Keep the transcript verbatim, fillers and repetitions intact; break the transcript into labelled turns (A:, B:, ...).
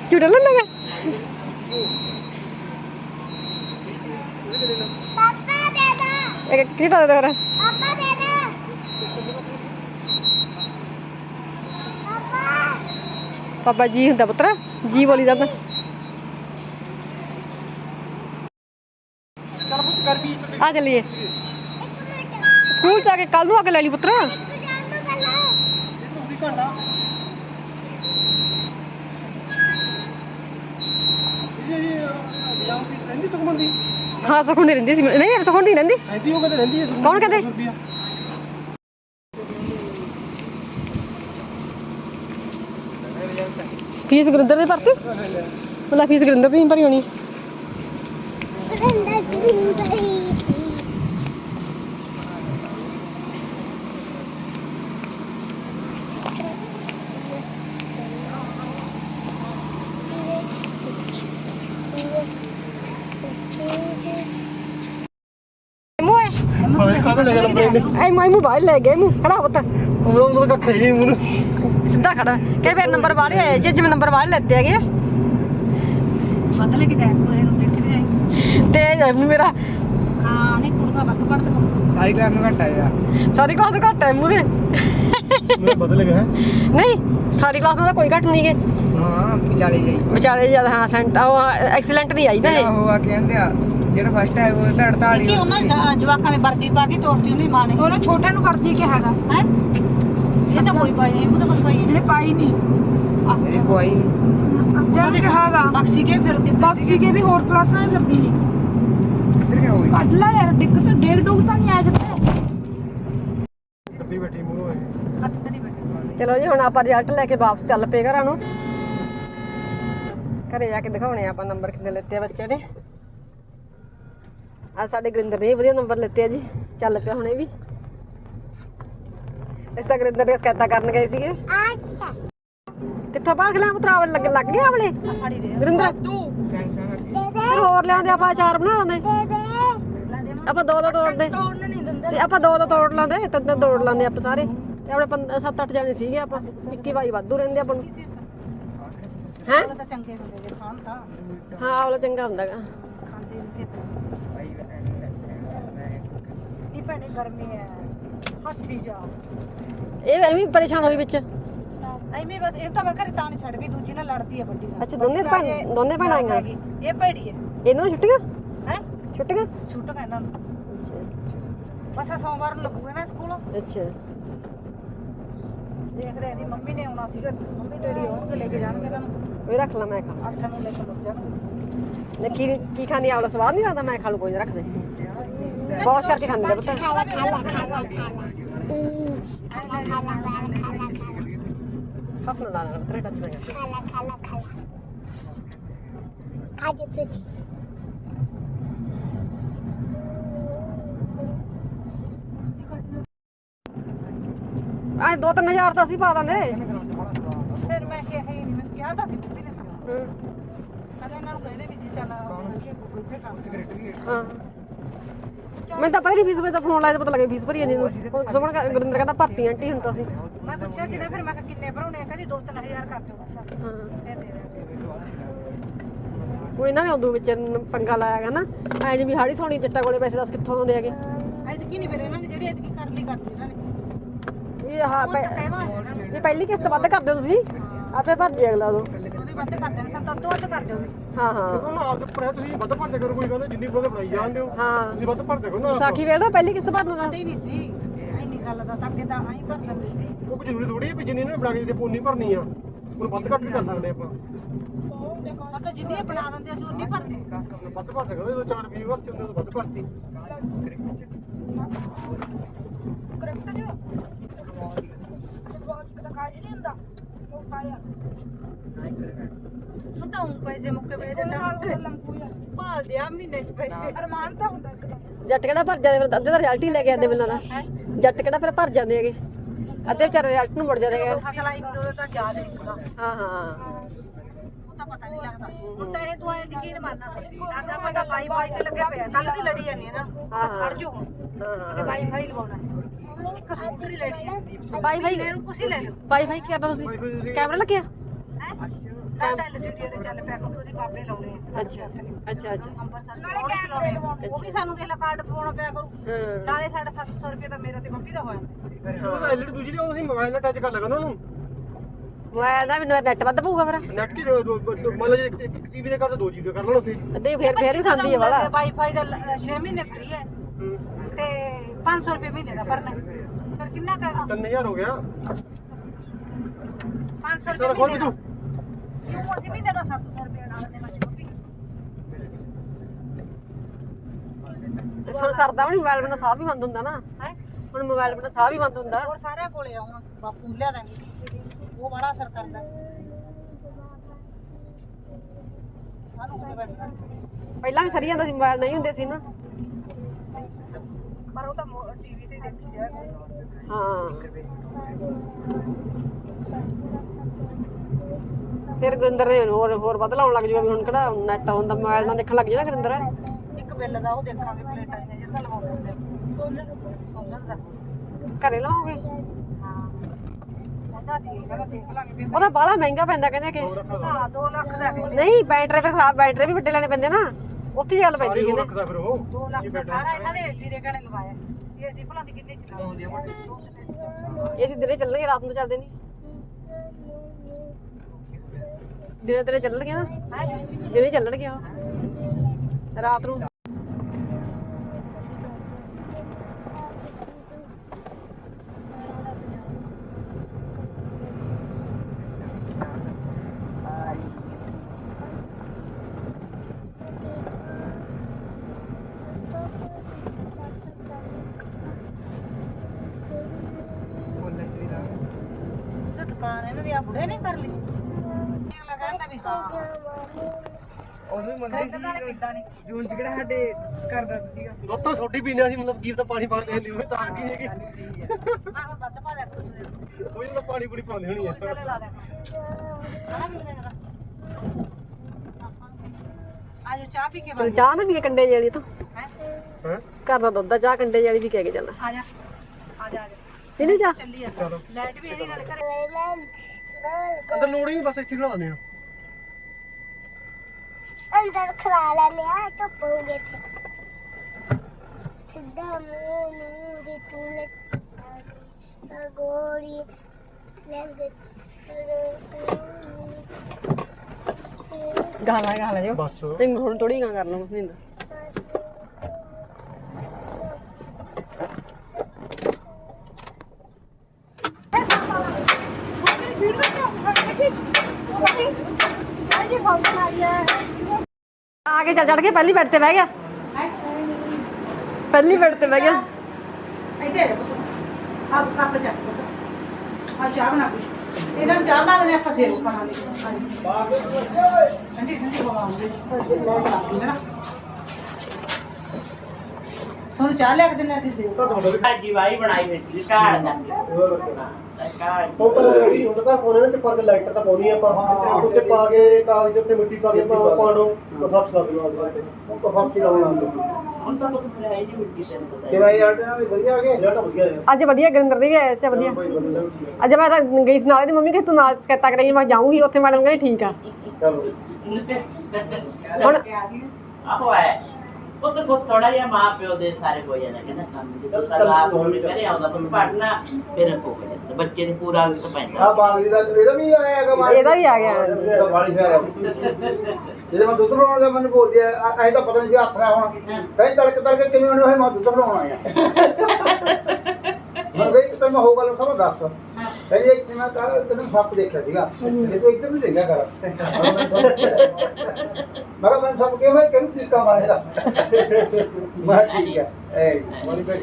A: झूठा लेना है एक की दे दे पापा दे दे पापा पापा जी हुंदा पुत्र जी बोली जांदा आ चलिए स्कूल जाके कल नूं आके ले ली पुत्र हाँ सुखन दी रहिंदी सी नहीं सुखन दी रहिंदी कौन कहते फीस गुरिंदर दी भरती मतलब फीस गुरिंदर दी भरी होनी मोबाइल ले गए खड़ा होता सीधा खड़ा कई बार नंबर वाले आए जी जिम्मे नंबर वाले लेते है तेज है मेरा सारी क्लास में घट है सारी क्लास में घट है मुझे नहीं सारी क्लास में कोई घट नहीं गए विचाले ज्यादा हाँ सेंट एक्सीलेंट नहीं आई ना ਜਿਹੜਾ ਫਸਟ ਹੈ ਉਹ ਤਾਂ ਅੜਤਾਲੀ ਕਿ ਉਹਨਾਂ ਜਵਾਕਾਂ ਨੇ ਵਰਦੀ ਪਾ ਕੇ ਤੋਰਤੀ ਉਹਨੇ ਮਾਂ ਨੇ ਉਹਨਾਂ ਛੋਟੇ ਨੂੰ ਕਰਦੀ ਕਿ ਹੈਗਾ ਹੈ ਇਹ ਤਾਂ ਕੋਈ ਪਾਈ ਨਹੀਂ ਉਹ ਤਾਂ ਕੋਈ ਪਾਈ ਨਹੀਂ ਪਾਈ ਨਹੀਂ ਇਹ ਕੋਈ ਨਹੀਂ ਜਦ ਕਿ ਹੈਗਾ ਬਕਸੀ ਕੇ ਫਿਰ ਬਕਸੀ ਕੇ ਵੀ ਹੋਰ ਕਲਾਸਾਂ ਵਿੱਚ ਫਿਰਦੀ ਸੀ ਕਿੱਧਰ ਗਿਆ ਹੋਈ ਅੱਲਾ ਯਾਰ ਡਿੱਗ ਤੇ ਡੇਢ ਡੁੱਗ ਤਾਂ ਨਹੀਂ ਆਇਆ ਕਿੱਥੇ ਕੱਢੀ ਬੈਠੀ ਮੂੰਹ ਹੋਏ ਕੱਢੀ ਬੈਠੀ ਚਲੋ ਜੀ ਹੁਣ ਆਪਾਂ ਰਿਜ਼ਲਟ ਲੈ ਕੇ ਵਾਪਸ ਚੱਲ ਪਏ ਘਰਾਂ ਨੂੰ ਘਰੇ ਜਾ ਕੇ ਦਿਖਾਉਣੇ ਆਪਾਂ ਨੰਬਰ ਕਿੰਨੇ ਲੈਤੇ ਆ ਬੱਚੇ ਨੇ आज साडे गुरिंदर ने वधिया नंबर लेते जी चल पिया हुणे भी इस तक गुरिंदर ने शिकायत करन गए सीगे कित्थों बाहर खिला पुत्रा लग लग गया आवले गुरिंदर फिर होर लिआंदे आपां अचार बना लांदे आपां दो दो तोड़दे ते आपां दो दो तोड़ लांदे तिन तिन तोड़ लांदे आपां सारे ते अपने सत्त अठ जने सीगे आपां इक्की बाई वाधू रहिंदे आपां नूं हैं चंगे हुंदे खाण तां हां आवला चंगा हुंदा गा खांदे ਭੈਣੇ ਗਰਮੀ ਹੈ ਹੱਥੀ ਜਾ ਇਹ ਐਵੇਂ ਪਰੇਸ਼ਾਨ ਹੋਈ ਵਿੱਚ ਐਵੇਂ ਬਸ ਇਹ ਤਾਂ ਮੈਂ ਘਰੇ ਤਾਂ ਨਹੀਂ ਛੱਡ ਗਈ ਦੂਜੀ ਨਾਲ ਲੜਦੀ ਹੈ ਵੱਡੀ ਨਾਲ ਅੱਛਾ ਦੋਨੇ ਭੈਣ ਦੋਨੇ ਭੈਣਾਂ ਆਈਆਂ ਇਹ ਭੈੜੀ ਹੈ ਇਹਨਾਂ ਨੂੰ ਛੁੱਟੀਆਂ ਹੈ ਛੁੱਟੀਆਂ ਛੁੱਟੀਆਂ ਇਹਨਾਂ ਨੂੰ ਅੱਛਾ ਬਸ ਸੋਮਵਾਰ ਨੂੰ ਲੱਗੂਗਾ ਨਾ ਸਕੂਲ ਅੱਛਾ ਦੇਖਦੇ ਇਹਦੀ ਮੰਮੀ ਨੇ ਆਉਣਾ ਸੀਗਾ ਮੰਮੀ ਡੈਡੀ ਆਉਣਗੇ ਲੈ ਕੇ ਜਾਣਗੇ ਇਹਨਾਂ ਨੂੰ ਉਹ ਰੱਖ ਲਾ ਮੈਂ ਖਾ ਅੱਠਾਂ ਨੂੰ ਲੈ ਕੇ ਲੱਗ ਜਾਣਗੇ ਨੇ ਕੀ ਕੀ ਖਾਣੀ ਆਵਲਾ ਸਵਾਦ ਨਹੀਂ ਲੱਗਦਾ ਮੈਂ ਖਾ ਲੂ ਕੋਈ ਰੱਖ ਦੇ बहुत करके खाने दे पता खाला खाला खाला खाला खाला खाला खाला खाला खाला ना तेरे टच में खाला खाला खाला खा जे तुझी आज दो तीन हजार तो ਅਸੀਂ ਪਾ ਦਾਂਗੇ ਫਿਰ ਮੈਂ ਕਿਹਾ ਹੀ ਨਹੀਂ ਮੈਂ ਕਿਹਾ ਤਾਂ ਸੀ ਬੀਬੀ ਨੇ ਹੂੰ ਅਰੇ ਇਹਨਾਂ ਨੂੰ ਕਹਿੰਦੇ ਵੀ ਜੀ ਚੱਲ ਹਾਂ मैं तो पहली फीस में तो फोन लाया तो पता लगे फीस भरी नहीं सुमन गुरिंदर कहता भर्ती आंटी हुण तां सी मैं पूछया सी ना फिर मैं किन्ने भराउने कहदी दो तीन हजार कर दिओ बस हां फिर दे दे कोई ना उदों विच पंगा लाया गा ना ऐ नहीं भी हाड़ी सोनी जट्टा कोले पैसे दस कित्थों आउंदे हैगे ऐ की नहीं फिर इन्हां ने जेहड़ी ऐतकी कर ली करती इन्हां ने ये हां ये पहली किस्त वध कर दिओ तुसी आपे भर जे अगला दो ਵੱਧ ਕਰਦੇ ਨੇ ਸਭ ਤੋਂ ਵੱਧ ਕਰ ਦਿਓ ਹਾਂ ਹਾਂ ਉਹਨਾਂ ਆਪ ਦੇ ਉੱਪਰ ਹੈ ਤੁਸੀਂ ਵੱਧ ਭਰਦੇ ਕਰੋ ਕੋਈ ਗੱਲ ਜਿੰਨੀ ਬੋਲੇ ਬਣਾਈ ਜਾਂਦੇ ਹੋ ਹਾਂ ਤੁਸੀਂ ਵੱਧ ਭਰਦੇ ਕਰੋ ਨਾ ਸਾਖੀ ਵੇਖ ਲਓ ਪਹਿਲੀ ਕਿਸ਼ਤ ਭਰਨ ਨਾਲ ਨਹੀਂ ਸੀ ਇੰਨੀ ਗੱਲ ਦਾ ਤਾਂ ਅੱਗੇ ਤਾਂ ਆਈ ਭਰ ਸਕਦੇ ਸੀ ਉਹ ਕੋਈ ਜ਼ਰੂਰੀ ਥੋੜੀ ਵੀ ਜਿੰਨੀ ਨੇ ਬਣਾ ਕੇ ਜੇ ਪੋਨੀ ਭਰਨੀ ਆ ਉਹਨੂੰ ਵੱਧ ਘੱਟ ਵੀ ਕਰ ਸਕਦੇ ਆਪਾਂ ਉਹ ਤਾਂ ਜਿੰਨੀ ਬਣਾ ਦਿੰਦੇ ਅਸੀਂ ਉਨੀ ਭਰਦੇ ਵੱਧ ਭਰਦੇ ਕਰੋ ਜਦੋਂ ਚਾਰ ਵੀਹ ਵਕਤ ਹੁੰਦੇ ਤਾਂ ਵੱਧ ਭਰਤੀ ਕਰੈਕਟ ਜੋ ਵਾਚ ਕਦਾ ਖਾਈ ਨਹੀਂ ਹੁੰਦਾ ਉਹ ਖਾਇਆ ਤਾਂ ਹੁਣ ਪੈਸੇ ਮੁੱਕੇ ਵੇ ਦੇ ਭਾਲ ਦਿਆ ਮਹੀਨੇ ਚ ਪੈਸੇ ਅਰਮਾਨ ਤਾਂ ਹੁੰਦਾ ਜੱਟ ਕਿਹੜਾ ਭਰ ਜਾਂਦੇ ਫਿਰ ਅੱਧੇ ਦਾ ਰਿਜ਼ਲਟ ਹੀ ਲੈ ਕੇ ਆਉਂਦੇ ਮੈਨੂੰ ਤਾਂ ਜੱਟ ਕਿਹੜਾ ਫਿਰ ਭਰ ਜਾਂਦੇ ਹੈਗੇ ਅੱਧੇ ਵਿਚਾਰੇ ਰਿਜ਼ਲਟ ਨੂੰ ਮੁੜ ਜਾਂਦੇ ਹੈਗੇ ਫਸਲ ਆਈ ਦੋ ਤਾਂ ਯਾਦ ਹੈ ਹਾਂ ਹਾਂ ਉਹ ਤਾਂ ਪਤਾ ਨਹੀਂ ਲੱਗਦਾ ਹੁਣ ਤਾਂ ਇਹ ਦੁਆਏ ਯਕੀਨ ਮੰਨਣਾ ਆਦਾ ਮਾਡਾ ਬਾਈ ਬਾਈ ਤੇ ਲੱਗਿਆ ਪਿਆ ਕੱਲ ਦੀ ਲੜੀ ਜਾਂਦੀ ਹੈ ਨਾ ਹਾਂ ਖੜ ਜੋ ਹੁਣ ਹਾਂ ਬਾਈ ਫਾਈ ਲਵਾਉਣਾ ਇੱਕ ਸਕੂਟਰ ਹੀ ਲੈਣੀ ਹੈ ਬਾਈ ਫਾਈ ਲੈ ਲਓ ਕੁਛ ਹੀ ਲੈ ਲਓ ਬਾਈ ਫਾਈ ਕੀ ਕਰਨਾ ਤੁਸੀਂ ਕੈਮਰਾ ਲੱਗਿਆ ਹੈ
B: ਤਾਂ ਐਲਸੀਡੀ ਦੇ ਚੱਲ ਪਿਆ ਕਰੋ ਤੁਸੀਂ ਬਾਬੇ ਲਾਉਣੇ ਆ
A: ਅੱਛਾ ਅੱਛਾ ਅੱਛਾ
B: ਅੰਬਰਸਰ ਨਾਲੇ ਕੈਮਰੇ ਲਵਾਉਣੇ ਉਹ ਵੀ ਸਾਨੂੰ ਦੇਖ ਲਾ ਕਾਰਡ ਪਵਾਉਣਾ ਪਿਆ ਕਰੂ
A: ਹਾਂ
B: ਨਾਲੇ ਸਾਡਾ ਸੱਤ ਸੌ ਰੁਪਏ ਤਾਂ ਮੇਰਾ ਤੇ ਮੰਮੀ ਦਾ ਹੋਇਆ
C: ਉਹ ਐਲਈਡੀ ਦੂਜੀ ਲਿਆਓ ਤੁਸੀਂ ਮੋਬਾਈਲ ਨਾਲ ਟੱਚ ਕਰ ਲਗਾ ਉਹਨਾਂ ਨੂੰ
A: ਮੋਬਾਈਲ ਦਾ ਮੈਨੂੰ ਨੈਟ ਵੱਧ ਪਊਗਾ ਫਿਰ
C: ਨੈਟ ਕੀ ਮਤਲਬ ਜੇ ਇੱਕ ਟੀਵੀ ਦੇ ਕਰ ਦੋ ਜੀਬੀ ਕਰ ਲੈਣ ਉੱਥੇ
A: ਅੱਧੇ ਫੇਰ ਫੇਰ ਵੀ ਖਾਂਦੀ ਹੈ ਵਾਲਾ
B: ਵਾਈਫਾਈ ਦਾ ਛੇ ਮਹੀਨੇ ਫ੍ਰੀ ਹੈ ਤੇ ਪੰਜ ਸੌ ਰੁਪਏ ਮਹੀਨੇ ਦਾ ਭਰਨਾ ਫਿਰ ਕਿੰਨਾ ਕਹੇਗਾ
C: ਤਿੰਨ ਹਜ਼ਾਰ ਹੋ ਗਿਆ
B: ਪੰਜ ਸੌ
C: ਸਾਰਾ
B: ਰੁਪਏ
C: ਖੋਲ
B: ਮਹੀਨੇ
C: ਵੀ
B: ਦਾ
C: ਤੂੰ
B: ਕਿਉਂ ਅਸੀਂ ਮਹੀਨੇ ਦਾ ਸੱਤ ਸੌ ਰੁਪਏ ਨਾਲ ਦੇਣਾ ਜੀ ਮੰਮੀ
A: ਹੁਣ ਸਰਦਾ ਵੀ ਨਹੀਂ ਮੋਬਾਈਲ ਬਿਨਾਂ ਸਾਹ ਵੀ ਬੰਦ ਹੁੰਦਾ ਨਾ
B: ਹੈ
A: ਹੁਣ ਮੋਬਾਈਲ ਬਿਨਾਂ ਸਾਹ ਵੀ ਬੰਦ ਹੁੰਦਾ
B: ਹੋਰ ਸਾਰਿਆਂ ਕੋਲੇ ਆਉਂ ਬਾਪੂ ਨੂੰ ਲਿਆ ਦਾਂਗੇ ਉਹ ਬੜਾ ਅਸਰ ਕਰਦਾ ਸਾਨੂੰ ਕਿਤੇ ਬੈਠਣਾ
A: ਪਹਿਲਾਂ ਵੀ ਸਰੀ ਜਾਂਦਾ ਸੀ ਮੋਬਾਈਲ ਨਹੀਂ ਹੁੰਦੇ ਸੀ ਨਾ
B: ਪਰ ਉਹ ਤਾਂ ਟੀਵੀ ਤੇ ਹੀ ਦੇਖੀ ਜਾਏ
A: ਹਾਂ ਫਿਰ ਗੁਰਿੰਦਰ ਨੇ ਹੋਰ ਹੋਰ ਵੱਧ ਲਾਉਣ ਲੱਗ ਜੂਗਾ ਵੀ ਹੁਣ ਕਿਹੜਾ ਨੈਟ ਹੁੰਦਾ ਮੋਬਾਈਲ ਨਾਲ ਦੇਖਣ ਲੱਗ ਜਾਣਾ ਗੁਰਿੰਦਰ
B: ਇੱਕ ਬਿੱਲ ਦਾ ਉਹ ਦੇਖਾਂਗੇ ਪਲੇਟਾਂ ਨੇ ਜਿਹੜਾ ਲਵਾਉਂਦੇ ਹੁੰਦੇ ਸੋਲਰ ਸੋਲਰ ਦਾ
A: ਘਰੇ ਲਾਓਗੇ
B: ਹਾਂ ਕਹਿੰਦਾ ਸੀ ਕਹਿੰਦਾ ਦੇਖ ਲਾਂਗੇ ਫਿਰ
A: ਉਹਦਾ ਬਾਹਲਾ ਮਹਿੰਗਾ ਪੈਂਦਾ ਕਹਿੰਦੇ ਕਿ
B: ਹਾਂ ਦੋ ਲੱਖ ਦਾ ਕਹਿੰਦੇ
A: ਨਹੀਂ ਬੈਟਰੀ ਫਿਰ ਖਰਾਬ ਬੈਟਰੀ ਵੀ ਵੱਡੇ ਲੈਣੇ ਪੈਂਦੇ ਨਾ ਉੱਥੇ ਹੀ ਗੱਲ ਪੈਂਦੀ
C: ਸਾਰੀ ਉਹ
A: ਕਹਿੰਦੇ
C: ਰੱਖਦਾ ਫਿਰ ਉਹ
B: ਦੋ ਲੱਖ ਦਾ ਸਾਰਾ ਇਹਨਾਂ ਦੇ ਏਸੀ ਦੇ ਘਣੇ ਲਵਾਇਆ ਇਹ ਅਸੀਂ ਭਲਾ ਦੀ ਕਿੰਨੇ ਚਲਾਉਂਦੇ ਆ
A: ਇਹ ਅਸੀਂ ਦਿਨੇ ਚੱਲਣਗੇ ਰਾਤ ਨੂੰ ਚੱਲਦੇ ਨਹੀਂ ਦਿਨੇ ਦਿਨੇ ਚੱਲਣਗੇ ਨਾ ਦਿਨੇ ਚੱਲਣਗੇ ਉਹ ਰਾਤ ਨੂੰ
B: ਤੇ ਦੁਕਾਨ ਇਹਨਾਂ ਦੀ ਆ ਬੁੜੇ ਨੇ ਕਰ ਲਈ ਅਗਲਾ ਕਹਿੰਦਾ ਵੀ ਹਾਂ
D: ਉਦੋਂ ਮੰਗਦੇ ਸੀ
B: ਨਾਲੇ ਪਿੱਦਾ ਨਹੀਂ
D: ਜੂਨ ਚ ਕਿਹੜਾ ਸਾਡੇ ਘਰ ਦਾ ਸੀਗਾ
C: ਦੁੱਧ ਤਾਂ ਛੋਟੀ ਪੀਂਦੇ ਸੀ ਮਤਲਬ ਕੀ ਤਾਂ ਪਾਣੀ ਪਾ ਕੇ ਲਿਓ ਤਾਂ ਕੀ ਹੈਗੀ
B: ਮੈਂ ਹੁਣ ਵੱਧ ਪਾ ਦਿਆ ਕਰੋ ਸਵੇਰ
C: ਕੋਈ ਨਾ ਪਾਣੀ ਪੂਰੀ ਪਾਉਂਦੇ ਹੋਣੀ ਆ
B: ਚੱਲੇ ਲਾ ਦਿਆ ਹਣਾ ਵੀ ਜਰਾ ਆਜੋ ਚਾਹ ਪੀ ਕੇ
A: ਚਲ ਚਾਹ ਨਾ ਵੀ ਕੰਡੇ ਜਿਹੜੀ ਤੋਂ
B: ਹੈ
C: ਹੈ
A: ਘਰ ਦਾ ਦੁੱਧ ਦਾ ਚਾਹ ਕੰਡੇ ਵਾਲੀ ਵੀ ਕਹਿ ਕੇ ਚੱਲ
B: ਆ ਜਾ ਆ ਜਾ ਆ ਜਾ
A: ਇਹਨੇ ਚਾਹ
B: ਚੱਲੀ ਆ
C: ਚਲੋ
B: ਲਾਈਟ ਵੀ ਇਹਦੀ ਨਾਲ ਘਰੇ
C: ਅੰਦਰ ਲੋੜ ਹੀ ਨਹੀਂ ਬਸ ਇੱਥੇ ਖੜਾ ਦਿੰਦੇ ਆ
E: ਅੰਦਰ ਖਲਾ ਲੈਨੇ ਆ ਧੁੱਪ ਹੋ ਗਈ ਤੇ ਸਿੱਧਾ ਮੂੰਹ ਨੂੰ ਜੇ ਤੂੰ ਲੱਗਾ ਗੋਰੀ ਲੰਗ
A: ਗਾਣਾ ਗਾ ਲੈ ਜੋ
C: ਬਸ
A: ਤੈਨੂੰ ਹੁਣ ਥੋੜੀ ਗਾ ਕਰ ਲਵਾਂ ਨਿੰਦ आगे चल चढ़ के पहली बेड पे बह गया पहली बेड पे बह गया
B: ਇੱਥੇ ਆਪ ਕੱਪ ਚੱਕ ਆ ਚਾਹ ਬਣਾ ਕੁਛ ਇਹਨਾਂ ਨੂੰ ਚਾਹ ਬਣਾ ਦੇਣੇ ਆਪਾਂ ਸੇਵ ਖਾਣਾਂਗੇ ਠੰਡੀ ਠੰਡੀ ਹਵਾ ਆਉਂਦੀ ਹੈ ਨਾ ਸੋਨੂੰ ਚਾਹ ਲਿਆ ਕੇ ਦਿੰਦੇ ਅਸੀਂ ਸੇਵ
F: ਭਾਜੀ ਵਾਈ ਬਣਾਈ ਹੋਈ ਸੀ ਢਾਲ ਦਾ ਢਾਲ
C: ਉਹ ਹੁੰਦਾ ਤਾਂ ਕੋਨੇ ਵਿੱਚ ਪਾ ਕੇ ਲਾਈਟਰ ਤਾਂ ਪਾਉਣੀ ਆਪਾਂ ਉੱਤੇ ਪਾ ਕੇ ਕਾਗਜ਼ ਉੱਤੇ ਮਿੱਟੀ ਪਾ ਕੇ ਆਪਾਂ ਪਾੜੋ ਫਰਸ਼ ਲਾ ਦਿਓ ਉਹ ਤਾਂ ਫਰਸ਼ ਹੀ ਲਾਉਣਾ
F: ਹੁਣ ਤਾਂ ਲੋਕ ਫਰਾਈ ਜੀ ਮਿੱਟੀ ਤੇ ਪਤਾ
C: ਤੇ ਭਾਈ ਯਾਰ ਨਾਲ ਵਧੀਆ ਆ ਗਏ ਜਿਹੜਾ ਵਧੀਆ ਹੈ
A: ਅੱਜ ਵਧੀਆ ਗੁਰਿੰਦਰ ਦੀ ਵੀ ਆਇਆ ਚ ਵਧੀਆ ਅੱਜ ਮੈਂ ਤਾਂ ਗਈ ਸੀ ਨਾਲ ਦੀ ਮੰਮੀ ਕਿ ਤੂੰ ਨਾਲ ਸਕੈਤਾ ਕਰਾਈ ਮੈਂ ਜਾਊਂਗੀ ਉੱਥੇ ਮੈਡਮ ਕਹਿੰਦੀ ਠੀਕ ਆ
C: ਚਲੋ
A: ਹੁਣ
F: ਆਹੋ ਹੈ ਉਹ ਤਾਂ ਕੁਛ ਥੋੜਾ ਜਿਹਾ ਮਾਂ ਪਿਓ ਦੇ ਸਾਰੇ ਹੋ ਜਾਂਦਾ ਕਹਿੰਦਾ ਕੰਮ ਜਦੋਂ ਸਲਾਹ ਹੋਣੀ ਕਰੇ ਆਉਂਦਾ ਤੂੰ ਪੜਨਾ ਫਿਰ ਹੋ ਗਿਆ ਬੱਚੇ ਨੂੰ ਪੂਰਾ ਅਸਰ ਪੈਂਦਾ
C: ਆ ਬਾਂਗਲੀ ਦਾ ਇਹਦਾ ਵੀ ਆਇਆ ਹੈਗਾ
A: ਇਹਦਾ ਵੀ ਆ ਗਿਆ
C: ਇਹਦਾ ਬਾਲੀ ਸ਼ਾਇਰ ਇਹਦੇ ਮੈਂ ਦੁੱਧ ਬਣਾਉਣ ਦਾ ਮੈਨੂੰ ਬੋਲਦੀ ਆ ਐ ਤਾਂ ਪਤਾ ਨਹੀਂ ਹੱਥ ਰਾ ਹੁਣ ਕਈ ਤੜਕ ਤੜਕੇ ਕਿਵੇਂ ਹੋਣੇ ਹੋਏ ਮੈਂ ਦੁੱਧ ਬਣਾਉਣਾ ਆ ਮੈਂ ਵੇਖ ਤੇ ਮੈਂ ਹੋ ਗੱਲ ਸਭ ਦੱਸ ਕਹਿੰਦੀ ਇੱਥੇ ਮੈਂ ਕਹਾ ਤੈਨੂੰ ਸੱਪ ਦੇਖਿਆ ਸੀਗਾ ਜੇ ਤੂੰ ਇੱਧਰ ਨਹੀਂ ਦੇਖਿਆ ਕਰ ਮੈਂ ਕਿਹਾ ਮੈਂ ਸੱਪ ਕਿਵੇਂ ਕਿਹਨੂੰ ਚੀਕਾ ਮਾਰੇਗਾ ਮੈਂ ਠੀਕ ਹੈ ਐ